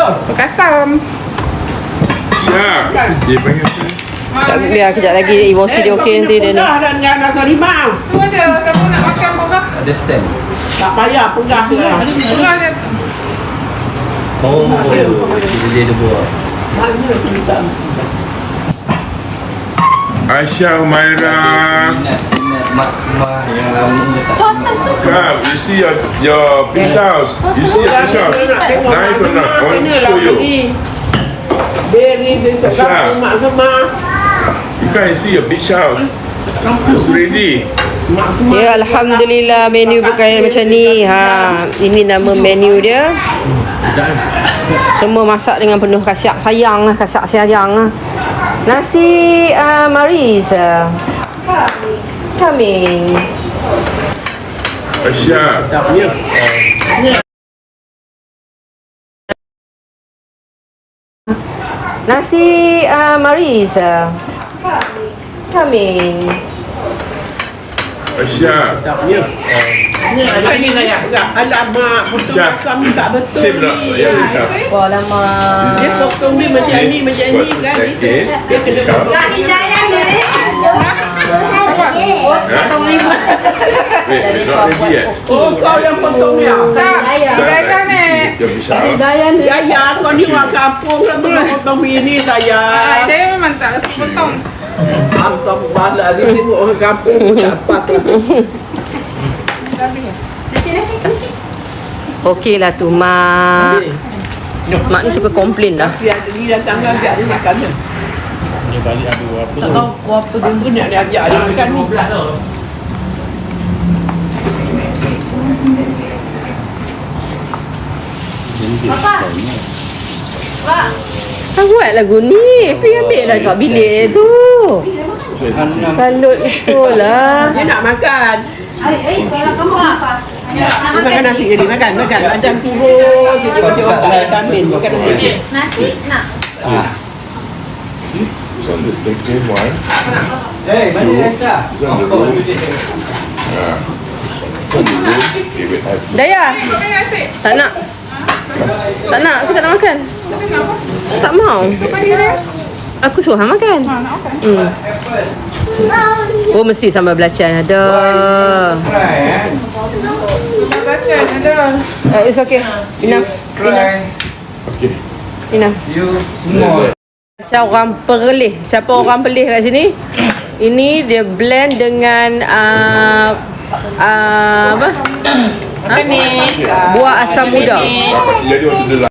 Bekasam. Siap. Dia panggil saya. Biar kejap lagi emosi dia okey nanti dia ni. Dan jangan rimau. Tu ada kamu nak makan apa? Ada stand. Tak payah pegang dia. Pegang dia. Oh, dia buat. Mana kita? Aisyah Humaira. Minat mak semua yang Come, you see your beach house. You see your beach house. Nice or not? I want to show you. Beri dekat kampung mak semua. You can see your beach house. It's ready. Ya, alhamdulillah menu berkaya macam ni. Ha, ini nama menu dia. Semua masak dengan penuh kasih sayang lah, kasih sayang lah. Nasi Maris coming. Aisyah. Nasi Maris coming. Aisyah. Ini saya. Alamak, potong Syah. asam tak betul Sip tak? ni. Ya, Aisyah. Wah lama. Dia potong ni macam ni kan. Dia kena potong. Potong lima. Wait, not ready yet. Oh, kau yang potong ya? Tak. Pegang ni. Your beach house. Ya, kau ni orang kampung lah tu potong begini saya. Saya memang tak potong. Astagfirullah, dia tengok orang kampung pun tak pas lah. Okey lah tu mak. Mak ni suka komplain lah. Dia datang ajak dia makan kan. Dia balik ada apa Tak tahu apa dia pun nak dia ajak dia makan ni. Kau buat lagu ni. Pergi ambil lah kat bilik tu. Kalut betul lah. Dia nak makan. Dia makan nasi jadi makan. Macam turun. Dia tengok tak ada amin. Makan nasi. Nasi nak. See? This one is the clean one. Eh, mana Aisyah? This one the room. Yeah. This one the room. Okay, wait. I have Daya, Makan nasi. tak nak. Tak nak, aku tak nak makan. Kita nak apa? Tak mau. Bagi dia. Aku suruh hang makan. Nak makan. Oh, mesti sambal belacan ada. Baca ada. It's okay. Enough. Okay. Enough. You semua. Macam orang Perlis. Siapa orang Perlis kat sini? Ini dia blend dengan apa? Apa ni? Buah asam muda. Dapat jadi waktu dia